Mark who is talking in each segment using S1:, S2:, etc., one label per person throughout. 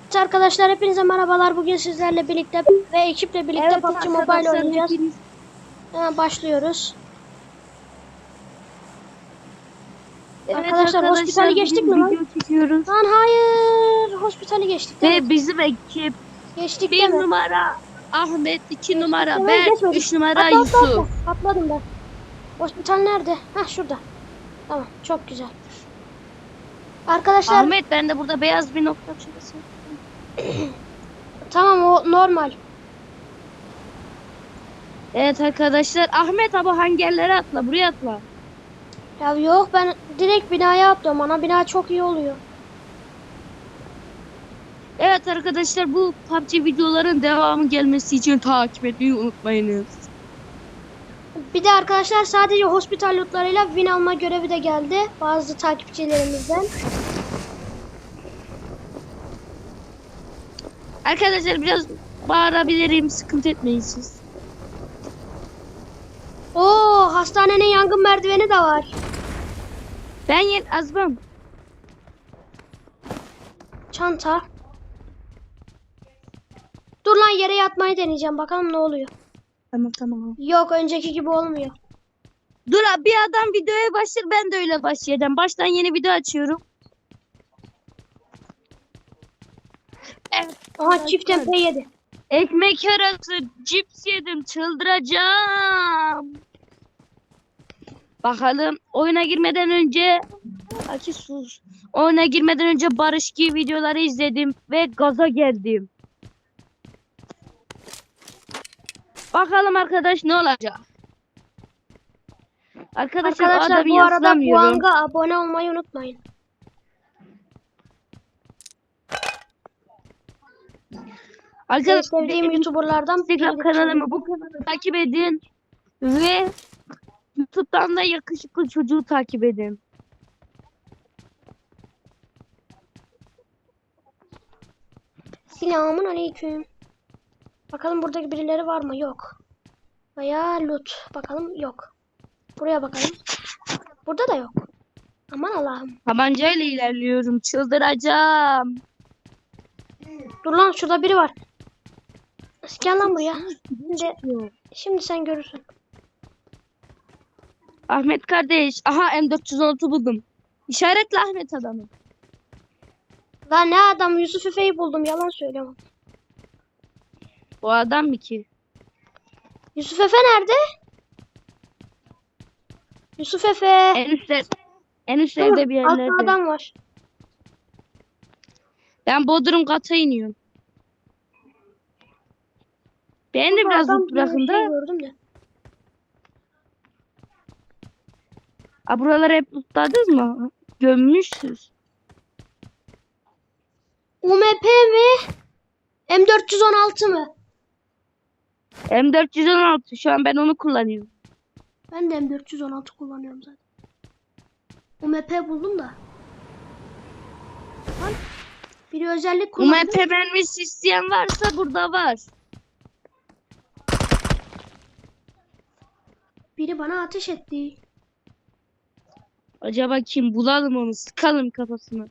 S1: Evet arkadaşlar hepinize merhabalar. Bugün sizlerle birlikte ve ekiple birlikte
S2: Evet
S1: PUBG Mobile
S2: arkadaşlar,
S1: oynayacağız.
S2: hepiniz
S1: Hemen başlıyoruz. Arkadaşlar
S2: arkadaşlar
S1: hospitali geçtik mi
S2: bugün
S1: lan?
S2: video çekiyoruz
S1: Lan hayır. Hospitali geçtik değil mi?
S2: ve bizim ekip
S1: Geçtik değil
S2: 1
S1: mi?
S2: numara Ahmet, 2
S1: Geçtik
S2: numara
S1: değil mi?
S2: ben,
S1: Geçmedik.
S2: 3 numara
S1: Atla.
S2: Yusuf.
S1: Atladım ben. Hospital nerede? Hah şurada. Tamam çok güzel. Arkadaşlar
S2: Ahmet, ben de burada beyaz bir nokta şurası.
S1: tamam o normal.
S2: Evet arkadaşlar, Ahmet abi hangi yerlere atla? Buraya atla.
S1: Ya yok ben direkt binaya atlıyorum. Ana bina çok iyi oluyor.
S2: Evet arkadaşlar, bu PUBG videoların devamı gelmesi için takip etmeyi unutmayınız.
S1: Bir de arkadaşlar sadece hospital lootlarıyla win alma görevi de geldi bazı takipçilerimizden.
S2: Arkadaşlar biraz bağırabilirim, sıkıntı etmeyin siz.
S1: Oo, hastanenin yangın merdiveni de var.
S2: Ben Azmam.
S1: Çanta. Dur lan yere yatmayı deneyeceğim. Bakalım ne oluyor.
S2: Tamam.
S1: Yok önceki gibi olmuyor.
S2: Dur abi, bir adam videoya başlar, ben de öyle başlayacağım. Baştan yeni video açıyorum. Evet.
S1: Aha çift MP yedi.
S2: Ekmek arası cips yedim, çıldıracağım. Bakalım oyuna girmeden önce Aki sus. Oyuna girmeden önce Barış Ki videoları izledim ve gaza geldim. Bakalım arkadaş ne olacak? Arkadaşlar o
S1: Arkadaşlar
S2: adamı
S1: bu arada bu
S2: yaslamıyorum.
S1: hanga abone olmayı unutmayın. En
S2: Arkadaşlar
S1: sevdiğim YouTuber'lardan
S2: Instagram
S1: biridir.
S2: kanalımı, bu kanalı takip edin ve YouTube'dan da yakışıklı çocuğu takip edin.
S1: Selamun aleyküm. Bakalım buradaki birileri var mı? Yok. Veya loot. Bakalım yok. Buraya bakalım. Burada da yok. Aman Allah'ım.
S2: Tabancayla ilerliyorum, çıldıracağım.
S1: Dur lan şurada biri var. Gel lan buraya. Şimdi sen görürsün.
S2: Ahmet kardeş, aha M416 buldum. İşaretle Ahmet adamı.
S1: Lan ne adam, Yusuf Efe'yi buldum, yalan söylüyorum.
S2: O adam mı ki?
S1: Yusuf Efe nerede? Yusuf Efe.
S2: En üstlerde bir
S1: Altta
S2: yerlerde.
S1: adam var.
S2: Ben Bodrum kata iniyorum. Ben de
S1: Burada
S2: biraz
S1: adam
S2: loot
S1: gibi bir
S2: bırakın
S1: şey
S2: da.
S1: gördüm de.
S2: Buraları hep lootladınız mı? Gömmüşsünüz.
S1: UMP mi? M416 mı?
S2: M416 şu an ben onu kullanıyorum.
S1: Ben de M416 kullanıyorum zaten. UMP buldum da. Lan, biri özellik kullandı.
S2: UMP mermisi isteyen varsa burada var.
S1: Biri bana ateş etti.
S2: Acaba kim? Bulalım onu, sıkalım kafasına.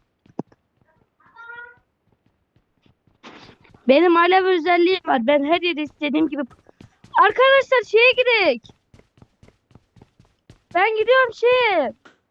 S2: Benim alev özelliğim var. Ben her yere istediğim gibi... Arkadaşlar şeye gidelim. Ben gidiyorum şeye.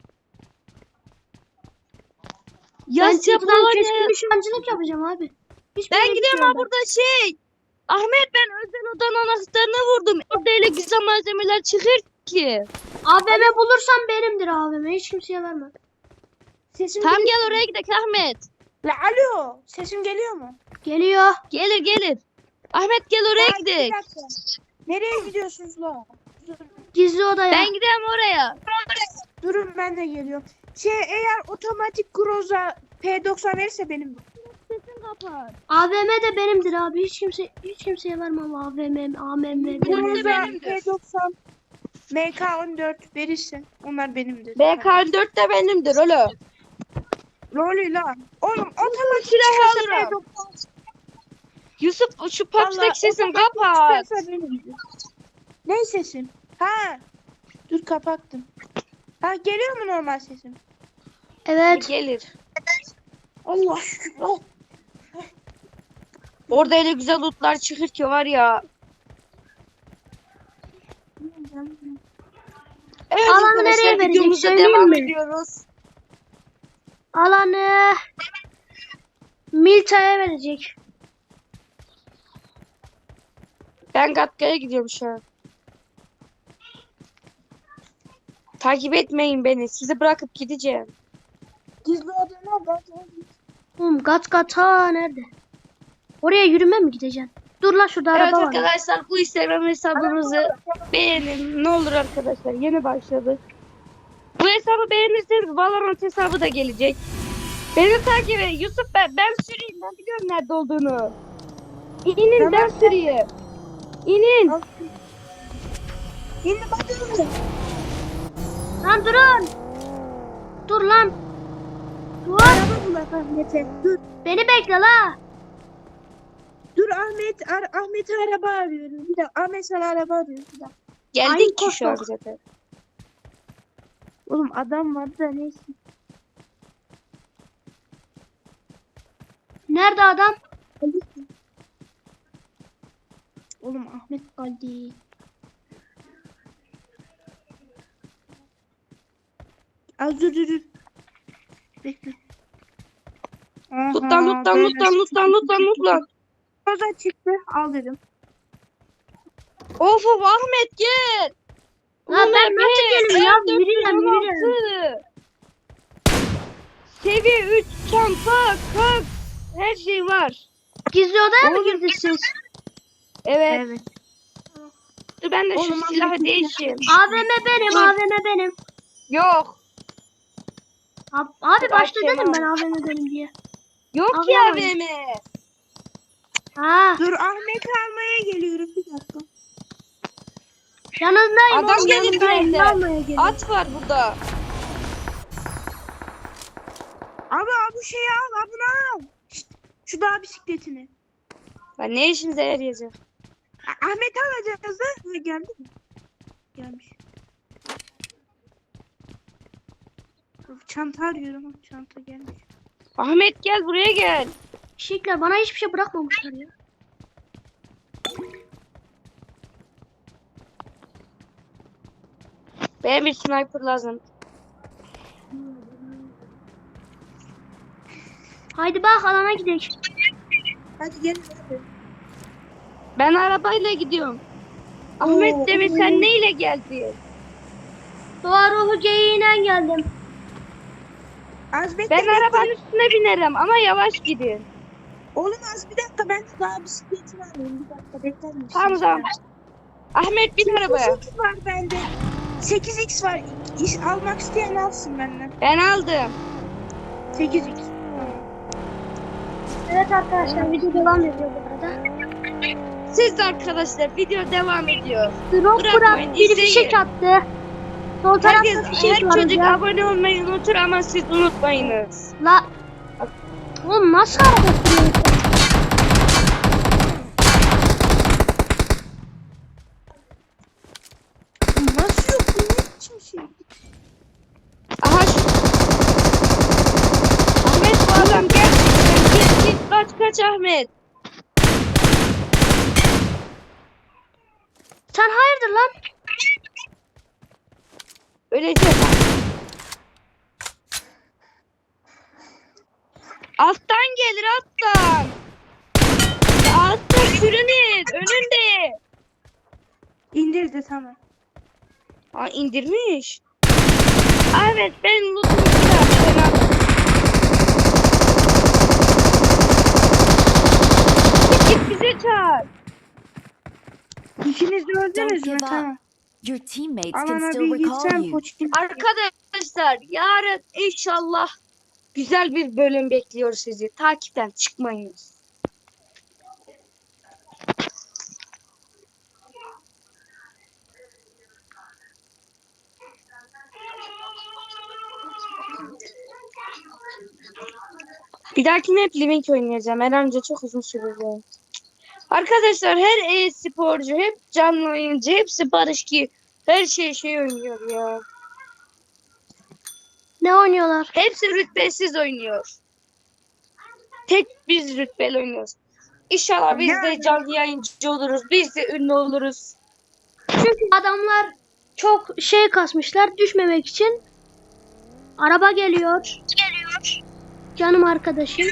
S1: Ben
S2: Yasya
S1: çatıdan keskin
S2: Polonya.
S1: nişancılık yapacağım abi. Hiçbir
S2: Ben
S1: yere
S2: gidiyorum
S1: gitmiyorum
S2: ha, burada şey. Ahmet, ben özel odanın anahtarını vurdum. Orada öyle güzel malzemeler çıkır ki.
S1: AVM bulursam benimdir AVM. Hiç kimseye vermem. Sesim
S2: Tam gel oraya gidelim Ahmet.
S3: La alo, sesim geliyor mu?
S1: geliyor.
S2: Gelir. Ahmet gel oraya
S3: Ya, bir
S2: gidelim.
S3: dakika. Nereye gidiyorsunuz la?
S1: Gizli odaya.
S2: Ben gidiyorum oraya.
S3: Durun ben de geliyorum. Eğer otomatik Groza P90 verirse benim.
S2: Sesini kapat.
S1: AVM de benimdir abi. Hiç kimseye vermem AVM, AMM.
S2: Benim de
S3: Groza
S2: benimdir.
S3: P90 MK14 verirse onlar benimdir.
S2: BK4 de benimdir oğlum.
S3: Rolü la. Oğlum otomatik
S2: silah
S3: çıkarsa
S2: alırım.
S3: P90.
S2: Yusuf şu
S3: Vallahi
S2: PUBG'deki sesini
S3: otomatik
S2: kapat.
S3: çıkarsa benimdir. Ne sesim? Ha. Dur kapattım. Ha geliyor mu normal sesim?
S1: Evet.
S2: Gelir.
S3: Allah şükür. Oh.
S2: Orada öyle güzel lootlar çıkır ki var ya. Evet
S1: Alanı nereye
S2: arkadaşlar,
S1: verecek
S2: videomuza
S1: söyleyeyim
S2: devam
S1: mi?
S2: ediyoruz.
S1: Alanı Milta'ya verecek.
S2: Ben Gatka'ya gidiyorum şu an. Takip etmeyin beni. Sizi bırakıp gideceğim.
S3: Gizli oda nerede?
S1: Gat nerede? Oraya yürüme mi gideceksin? Dur lan şurada
S2: Evet
S1: araba var.
S2: arkadaşlar, bu Instagram hesabımızı beğenin. Ne olur arkadaşlar, yeni başladık. Bu hesabı beğenirseniz Valorant hesabı da gelecek. Beni takip edin. Yusuf, ben süreyim. Ben biliyorum nerede olduğunu. İnin,
S3: Tamam.
S2: ben süreyim. İnin.
S3: Şimdi bakıyorum.
S1: Lan durun. Dur lan. Dur.
S3: Araba bulak Ahmet'e. Dur.
S1: Beni bekle la.
S3: Dur Ahmet. Ahmet'e araba arıyorum. Bir dakika. Ahmet sana araba arıyor. Bir dakika.
S2: Geldik
S1: Ay,
S2: ki şu an
S1: korktum.
S2: zaten.
S3: Oğlum adam vardı da neyse.
S1: Nerede adam?
S3: Oğlum Ahmet geldi. Az dur. Bekle.
S2: Lutlan.
S3: Kaza çıktı. Al dedim.
S2: Of Ahmet gel.
S1: Lan ben nasıl geleyim ya? Yürüyorum.
S2: Seviye 3 çanta, kalk. Her şey var.
S1: Gizli odaya mı girdiniz siz?
S2: Evet. Dur ben de şu
S3: Oğlum,
S2: silahı
S3: Ahmet'in
S2: değişeyim.
S1: AVM benim.
S2: Yok.
S1: Abi başta
S2: Akşam
S1: dedim ben
S2: al.
S1: AVM benim diye.
S2: Yok
S1: Abi,
S2: ya
S1: abi.
S2: AVM.
S1: Ha,
S3: Dur Ahmet'i almaya geliyorum. Bir dakika.
S1: yanındayım.
S2: Adam
S1: oğlum,
S2: gelir
S1: yanındayım.
S2: bende.
S1: Ne almaya geliyorum?
S2: At var burada.
S3: Abi bu şeyi al. Bunu al. Şşt, şu dağ bisikletini.
S2: Ben ne işinize yarayacak?
S3: Ahmet alacağız da. Geldi mi? Gelmiş. Çanta arıyorum. Çanta gelmiş.
S2: Ahmet gel buraya gel.
S1: Şikler bana hiçbir şey bırakmamışlar ya.
S2: Benim bir sniper lazım.
S1: Haydi bak alana gidelim.
S3: Hadi gel. Hadi.
S2: Ben arabayla gidiyorum. Ahmet demin
S3: Oo.
S2: sen neyle geldin?
S1: Doğa ruhu geyiğiyle geldim.
S3: Az bekle.
S2: Ben
S3: bekle.
S2: arabanın üstüne binerim ama yavaş gidin.
S3: Oğlum az bir dakika. Ben daha bisikletini alayım. Bir dakika bekler misin?
S2: Tamam. Ahmet bin arabaya.
S3: 8x var bende. 8x var. Almak isteyen alsın benden.
S2: Ben aldım.
S3: 8x.
S1: Evet arkadaşlar video devam ediyor bu arada.
S2: Siz de arkadaşlar, video devam ediyor.
S1: Drop
S2: Bırakmayın,
S1: bırak bir
S2: izleyin.
S1: fişek attı. Sol tarafta
S2: Herkes,
S1: fişek
S2: her
S1: var
S2: çocuk
S1: ya.
S2: abone olmayı unutur ama siz unutmayınız.
S1: La. Oğlum nasıl hareket ediyorsun?
S3: Nasıl yok? Bu ne biçim şey?
S2: Aha şu... Ahmet bu adam gerçekten git kaç Ahmet.
S1: Sen hayırdır lan?
S2: Öleceğim. Alttan gelir alttan. Ya alttan sürünür önünde.
S3: İndirdi tamam.
S2: Aa indirmiş. Evet ben lootumu çıkardım. Git bize çağır.
S3: İkiniz de öldünüz
S4: Don't
S3: mü?
S4: give up.
S3: Tamam.
S4: Your teammates can
S3: Alana
S4: still
S3: bir
S4: recall
S3: gitsem
S4: you.
S3: poçkin.
S2: Arkadaşlar yarın inşallah güzel bir bölüm bekliyor sizi. Takipten çıkmayınız. Bir dahakine hep Living oynayacağım. Herhalde çok uzun sürecek. Arkadaşlar her e-sporcu, hep canlı oyuncu, hepsi Barış ki her şey oynuyor ya.
S1: Ne oynuyorlar?
S2: Hepsi rütbesiz oynuyor. Tek biz rütbeli oynuyoruz. İnşallah biz de
S3: Yani.
S2: canlı yayıncı oluruz. Biz de ünlü oluruz.
S1: Çünkü adamlar çok şey kasmışlar düşmemek için. Araba geliyor. Canım arkadaşım.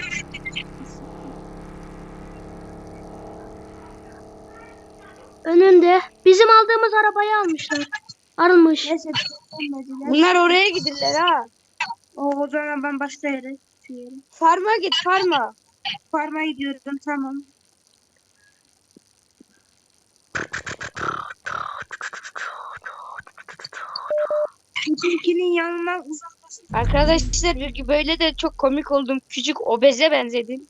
S1: Önünde. Bizim aldığımız arabayı almışlar. Almış.
S3: Neyse olmadılar.
S2: Bunlar oraya gidirler ha.
S3: O zaman ben başka yere gidiyorum.
S2: Farma git farma.
S3: Farm'a gidiyorum tamam. Bizimkinin yanından uzaklaşın.
S2: Arkadaşlar böyle de çok komik oldum. Küçük obeze benzedim.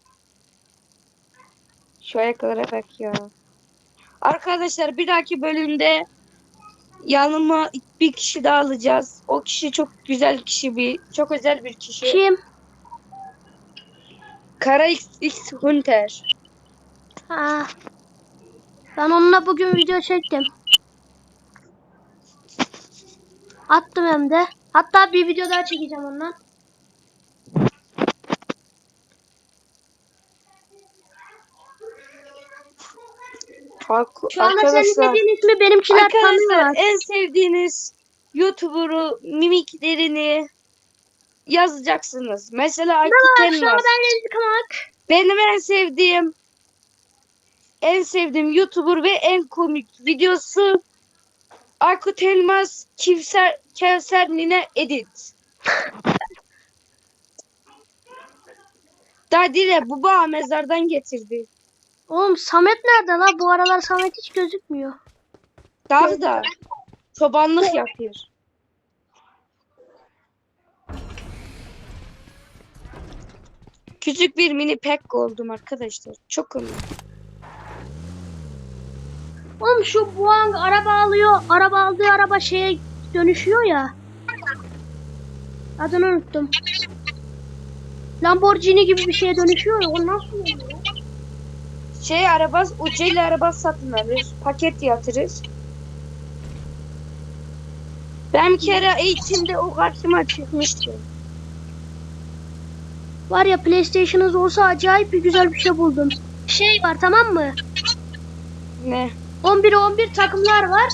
S2: Şu ayaklara bak ya. Arkadaşlar bir dahaki bölümde yanıma bir kişi daha alacağız. O kişi çok güzel kişi, çok özel bir kişi.
S1: Kim?
S2: Kara X Hunter.
S1: Ha. Ben onunla bugün video çektim. Attım hem de. Hatta bir video daha çekeceğim ondan. Şu anda senin
S2: Arkadaşlar,
S1: dediğin ismi benimkiler tanıyorlar.
S2: en sevdiğiniz YouTuber'u mimiklerini yazacaksınız. Mesela Aykut
S1: Merhaba, şu anda
S2: Elmas.
S1: ben Remzi Kamak.
S2: Benim en sevdiğim YouTuber ve en komik videosu Aykut Elmas Kevser Nine Edit. Dadile baba mezardan getirdi.
S1: Oğlum Samet nerede la? Bu aralar Samet hiç gözükmüyor.
S2: Dağda çobanlık yapıyor. Küçük bir mini pack oldum arkadaşlar. Çok komik.
S1: Oğlum şu Buang araba alıyor. Araba aldığı araba şeye dönüşüyor ya. Adını unuttum. Lamborghini gibi bir şeye dönüşüyor ya. O nasıl oluyor?
S2: Ucuyla araba satın alırız. Paket yatırırız. Ben bir kere eğitimde o karşıma çıkmıştı.
S1: Var ya PlayStation'ınız olsa acayip bir güzel bir şey buldum. Şey var tamam mı?
S2: Ne?
S1: 11'e 11 takımlar var.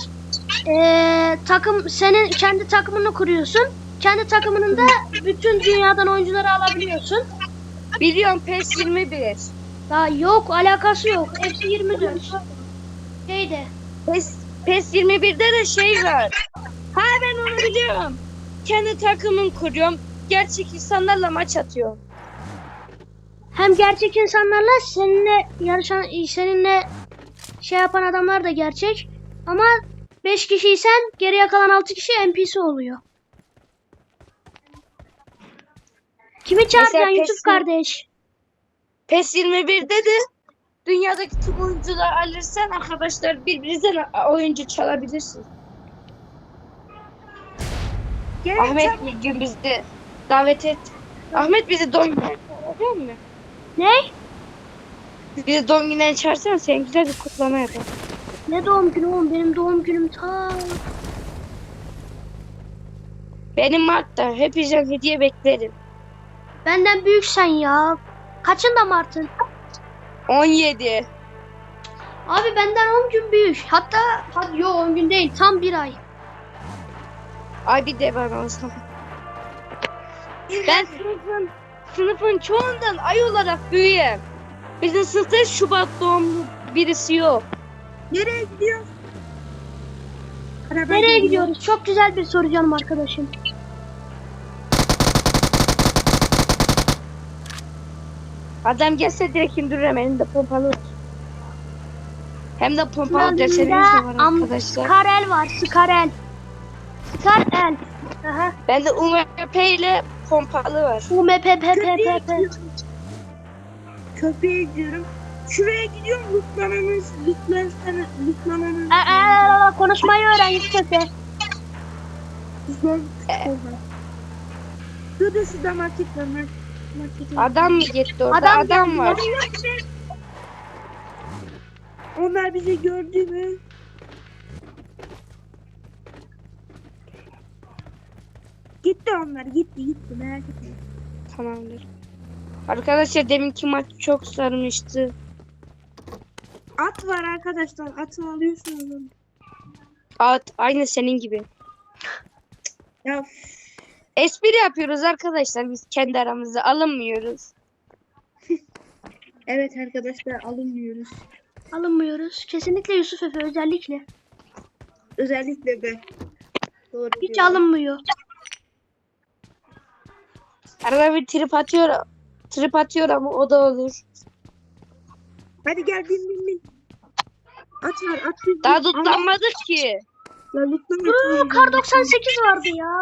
S1: Senin kendi takımını kuruyorsun. Kendi takımının da bütün dünyadan oyuncuları alabiliyorsun.
S2: Biliyorum PES 21.
S1: Ya yok alakası yok. Hepsi 24. Şeyde.
S2: PES 21'de de şey var. Ha ben onu biliyorum. Kendi takımımı kuruyorum. Gerçek insanlarla maç atıyorum.
S1: Hem gerçek insanlarla seninle yarışan, seninle şey yapan adamlar da gerçek. Ama 5 kişiysen geriye kalan 6 kişi NPC oluyor. Kimi çağıracaksın
S2: Mesela
S1: Yusuf kardeş?
S2: PES 21'de de dünyadaki tüm oyuncular alırsan arkadaşlar birbirinizden oyuncu çalabilirsin. Ahmet bir gün bizi davet et. Ahmet bizi doğum gününe çağırıyor mu?
S1: Ne?
S2: Bizi doğum gününe çağırsan sen güzel bir kutlama yapalım.
S1: Ne doğum günü oğlum? Benim doğum günüm ta.
S2: Benim Mart'ta hepinizden hediye beklerim.
S1: Benden büyüksen ya. Kaçında Mart'ın?
S2: 17.
S1: Abi benden 10 gün büyük. Hatta hadi yo 10 gün değil. Tam 1 ay.
S2: Ay bir de bana o zaman. Ben sınıfın çoğundan ay olarak büyüğüm. Bizim sınıfta Şubat doğumlu birisi yok.
S3: Nereye gidiyorsun? Araba
S1: Nereye
S3: geliyor.
S1: gidiyoruz? Çok güzel bir soru canım arkadaşım.
S2: Adam gelse direkt indiririm, elimde pompalı var. Hem de pompalı desenimiz de var arkadaşlar.
S1: Skarel var. Skarel. Skarel. Aha.
S2: Bende UMP ile pompalı var.
S1: UMPPPP.
S3: Köpeğe gidiyorum. Şuraya gidiyorum. Lütfen'e.
S1: Konuşmayı öğren Yusuf'e.
S3: Şurada şu da market var.
S2: Adam mı gitti orada? Adam var.
S3: Onlar bizi gördü mü? Gitti onlar. Gitti merak etme.
S2: Tamamdır. Arkadaşlar deminki maç çok sarmıştı.
S3: At var arkadaşlar. Atı alıyorsunuz.
S2: At aynı senin gibi.
S3: Ya
S2: Espri yapıyoruz arkadaşlar, biz kendi aramızda alınmıyoruz.
S3: evet arkadaşlar alınmıyoruz.
S1: Alınmıyoruz. Kesinlikle Yusuf Efe özellikle.
S3: Özellikle ben. Doğru
S1: Hiç
S3: diyorum.
S1: alınmıyor.
S2: Arada bir trip atıyor ama o da olur.
S3: Hadi gel bin. At var at. bin.
S2: Daha tutlanmadık ki.
S3: Ya lütfen
S1: Kar 98 vardı ya.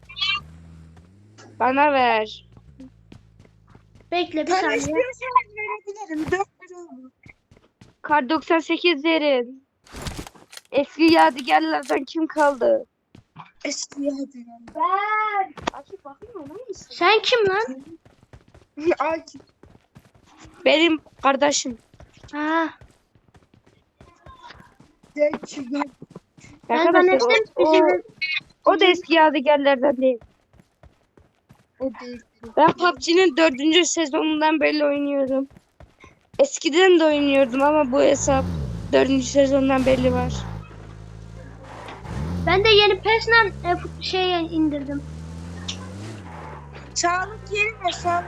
S2: Bana ver.
S1: Bekle bir saniye.
S3: istiyorsanız verebilirim. 4 lira oldu.
S2: Kar 98 derin. Eski yadigarlardan kim kaldı?
S3: Eski yerden.
S2: Açıp bakayım mı?
S1: Sen kim lan?
S3: Akif.
S2: Benim kardeşim.
S1: Ha.
S3: Zeki.
S1: Ben
S2: Arkadaşlar
S1: zannettim
S2: o da eski yadigarlardan değil.
S3: O değil.
S2: Ben PUBG'nin 4. sezonundan beri oynuyorum. Eskiden de oynuyordum ama bu hesap 4. sezondan belli var.
S1: Ben de yeni PES'le indirdim.
S3: Sağlık yeri ve sağlık.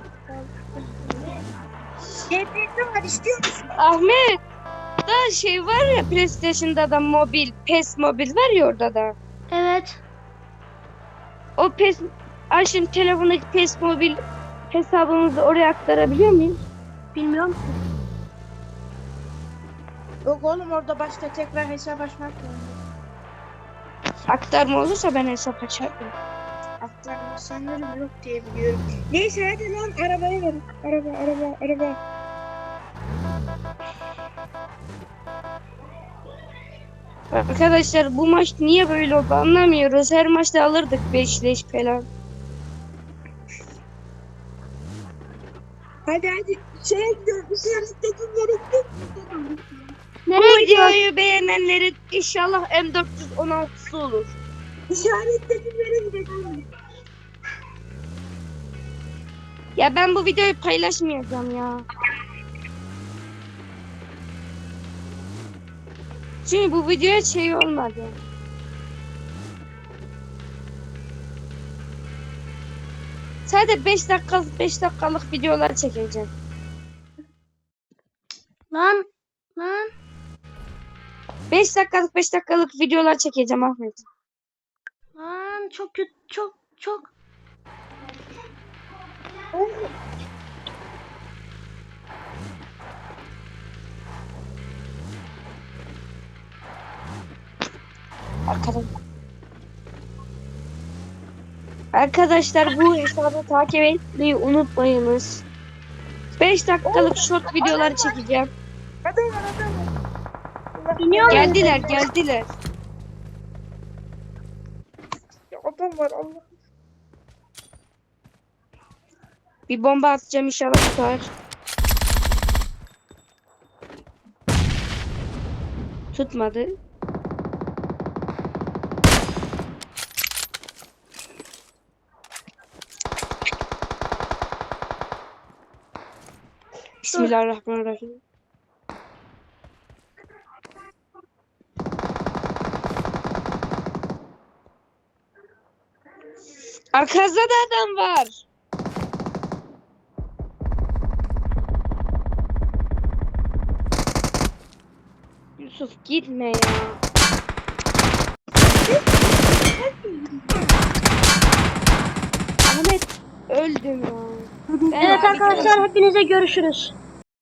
S3: GPS var istiyor musun?
S2: Ahmet, da şey var ya, PlayStation'da da mobil, PES mobil var ya orada da.
S1: Evet.
S2: O PES, şimdi telefondaki PES mobil hesabımızı oraya aktarabiliyor muyum?
S1: Bilmiyorum ki.
S3: Yok oğlum orada başta tekrar hesap açmak lazım.
S2: Aktarma olursa ben hesap açarım.
S3: Aktarma sanırım yok diye biliyorum. Neyse hadi lan arabaya verin. Araba.
S2: Arkadaşlar bu maç niye böyle oldu anlamıyoruz. Her maçta alırdık 5 leş falan.
S3: Hadi. Şeye gidiyorum. İşaretlediğim yere gidiyorum.
S2: Bu
S1: Nereye gidiyorsun?
S2: videoyu beğenenlerin inşallah M416'sı olur.
S3: İşaretlediğim yere gidiyorum.
S2: Ya ben bu videoyu paylaşmayacağım ya. Çünkü bu videoya şey olmadı. Sadece 5 dakikalık videolar çekeceğim.
S1: Lan.
S2: 5 dakikalık videolar çekeceğim Ahmet.
S1: Lan çok kötü. Çok.
S2: Arkadaşlar bu hesabı takip etmeyi unutmayınız. 5 dakikalık short videolar çekeceğim.
S3: Adam var.
S1: İniyor mu?
S2: Geldiler.
S3: Adam var Allah.
S2: Bir bomba atacağım inşallah tutar. Tutmadı. Bismillahirrahmanirrahim. Arkanızda da adam var. Yusuf gitme ya. Ahmet öldüm ya.
S1: Evet arkadaşlar hepinize görüşürüz.